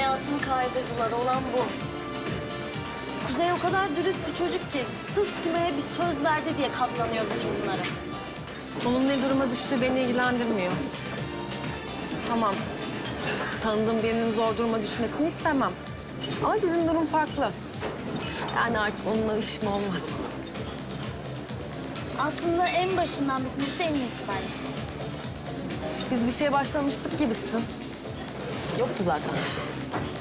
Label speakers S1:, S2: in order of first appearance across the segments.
S1: hayatını kaydırdılar. Olan bu. Kuzey o kadar dürüst bir çocuk ki sırf Sima'ya bir söz verdi diye katlanıyor bütün bunlara.
S2: Onun ne duruma düştüğü beni ilgilendirmiyor. Tamam. Tanıdığım birinin zor duruma düşmesini istemem. Ama bizim durum farklı. Yani artık onunla işim olmaz.
S1: Aslında en başından bitmesi en iyisi bence.
S2: Biz bir şeye başlamıştık gibisin. Yoktu zaten bir şey.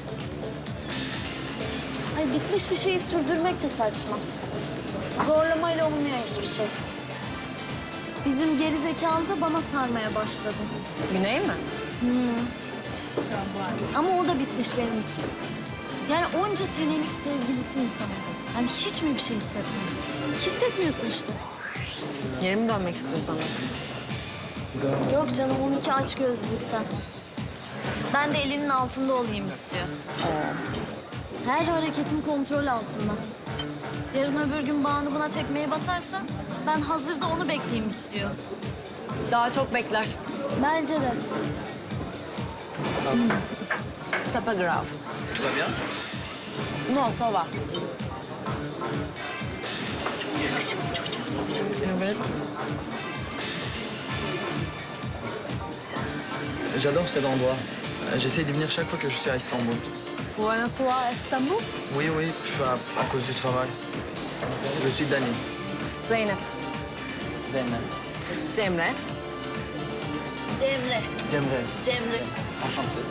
S1: Ay bitmiş bir şeyi sürdürmek de saçma. Zorlamayla olmuyor hiçbir şey. Bizim geri zekalı da bana sarmaya başladı.
S2: Güney mi?
S1: Ama o da bitmiş benim için. Yani onca senelik sevgilisi insanı. Yani hiç mi bir şey hissetmez? Hissetmiyorsun işte.
S2: Geri mi dönmek istiyor sana?
S1: Yok canım onunki açgözlülükten. Ben de elinin altında olayım istiyor. Her hareketim kontrol altında. Yarın öbür gün Banu buna tekmeyi basarsa ben hazırda onu bekleyeyim istiyor.
S2: Daha çok bekler.
S1: Bence de.
S2: C'est pas grave.
S3: Tout va bien?
S2: Non, ça va. Evet.
S3: J'adore cet endroit. J'essaye d'y venir chaque fois que je suis à Istanbul.
S2: Buenos Aires, İstanbul.
S3: Oui, oui, à cause du travail. Je suis Dani.
S2: Zeynep.
S3: Zeynep.
S2: Cemre.
S1: Cemre.
S3: Cemre.
S1: Cemre.
S3: Enchanté.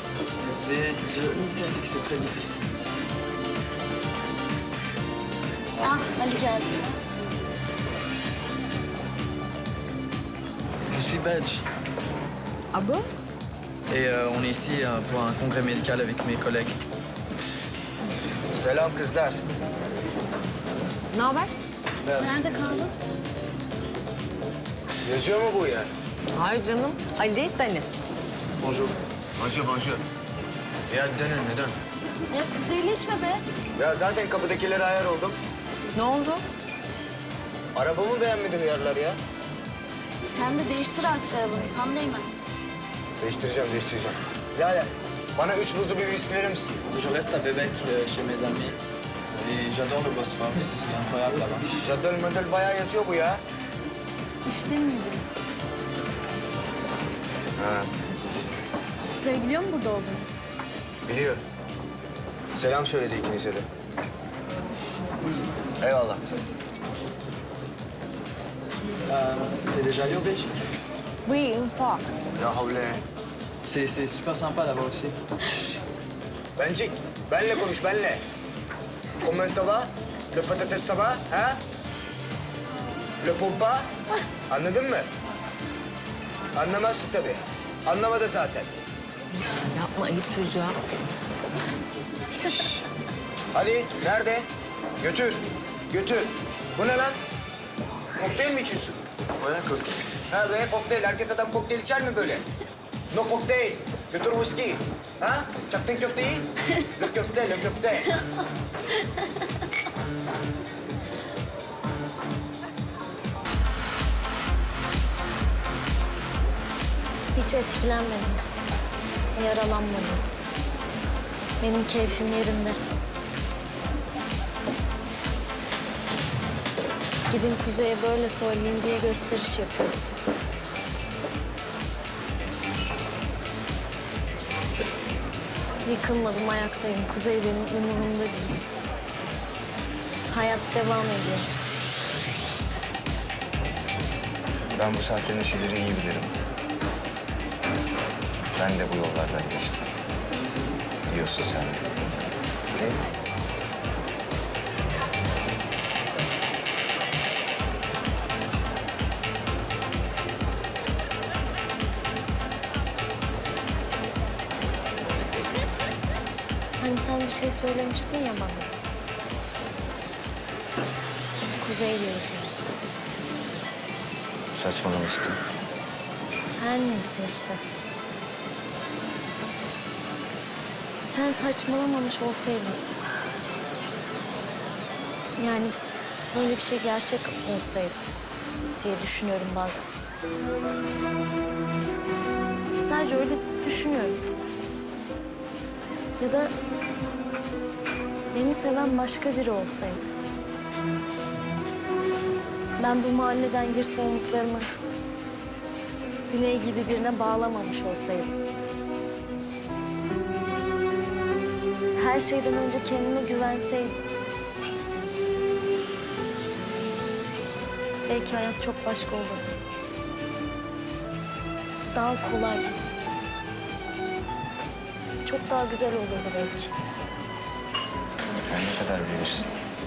S3: C'est très difficile.
S1: Ah Ali geldi.
S3: Je suis belge.
S2: Ah bon?
S3: Et on est ici pour un congrès médical avec mes collègues.
S4: Selam kızlar.
S2: Ne haber?
S1: Nerede kaldın?
S4: Yazıyor mu bu ya?
S2: Hayır canım. Ali, Dani.
S3: Bonjour.
S4: Bonjour. Ya dönün neden?
S1: Ya kuzeyleşme be.
S4: Ya zaten kapıdakilere ayar oldum.
S2: Ne oldu?
S4: Arabamı beğenmedim yerler ya.
S1: Sen de değiştir artık arabanı. Sen değme.
S4: Değiştireceğim. Lale, bana 3 buzlu bir viski verir misin?
S3: Je reste à Bebek chez mes amis. Et j'adore le Bosphore. C'est incroyable là-bas.
S4: Caddol model bayağı yazıyor bu ya.
S1: İşte miydi?
S4: Ha,
S1: Kuzey biliyor mu burada olduğunu?
S4: biliyor. Selam söyledi ikinize de. Eyvallah.
S3: T'es déjà allé au Belgique?
S2: Oui, une fois.
S4: Ya havle.
S3: C'est super sympa là-bas aussi.
S4: Bencik, benle konuş, benle. Comment ça va? Le patates ça va? Ha? Le pompa? Anladın mı? Anlamazsın tabii. Anlamadı zaten.
S2: Yapma ayıp çocuğa.
S4: Hadi, nerede? Götür, götür. Bu ne lan? Kokteyl mi içiyorsun?
S3: Voilà, cocktail.
S4: Ha be, kokteyl. Erkek adam kokteyl içer mi böyle? No kokteyl. Götür whisky. Ha? Çaktın köfteyi? Le köfte, le köfte.
S1: Hiç etkilenmedim. Yaralanmadım. Benim keyfim yerinde. Gidin Kuzey'e böyle söyleyeyim diye gösteriş yapıyor bize. Yıkılmadım, ayaktayım. Kuzey benim umurumda değil. Hayat devam ediyor.
S4: Ben bu saatte neşeleri iyi bilirim. Ben de bu yollardan geçtim. Diyorsun sen de. Değil mi?
S1: Hani sen bir şey söylemiştin ya bana. Kuzey diyordu.
S4: Saçmalamıştım.
S1: Her neyse işte. Sen saçmalamamış olsaydın. Yani böyle bir şey gerçek olsaydı diye düşünüyorum bazen. Sadece öyle düşünüyorum. Ya da beni seven başka biri olsaydı. Ben bu mahalleden yırtma umutlarımı Güney gibi birine bağlamamış olsaydım. Her şeyden önce kendime güvenseydim. Belki hayat çok başka olurdu. Daha kolay. Çok daha güzel olurdu belki.
S5: Sen ne kadar büyürsün.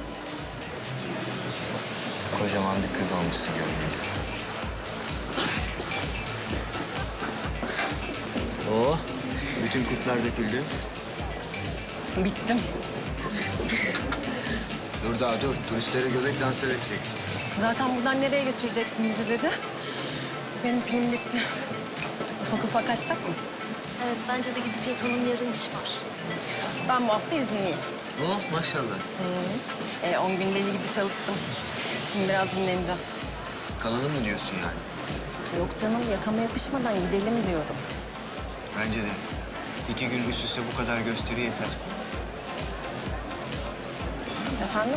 S5: Kocaman bir kız olmuşsun görünüyor. Oo, bütün kurtlar döküldü.
S2: Bittim.
S5: Dur daha dur, turistlere göbek dansı öğreteceksin.
S2: Zaten buradan nereye götüreceksin bizi dedi. Benim pilim bitti. Ufak ufak açsak mı?
S1: Evet, bence de gidip yatalım. Yarın iş var.
S2: Ben bu hafta izinliyim.
S5: Oh maşallah.
S2: 10 gün deli gibi çalıştım. Şimdi biraz dinleneceğim.
S5: Kalalım mı diyorsun yani?
S2: Yok canım, yakama yapışmadan gidelim diyorum.
S5: Bence de. 2 gün üst üste bu kadar gösteri yeter.
S2: Efendim?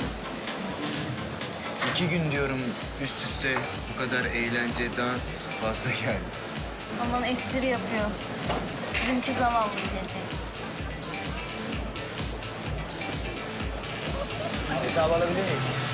S5: 2 gün diyorum üst üste bu kadar eğlence, dans fazla geldi.
S1: Aman espri yapıyor. Dünkü zavallı gece.
S4: Hesabı alabilir miyim?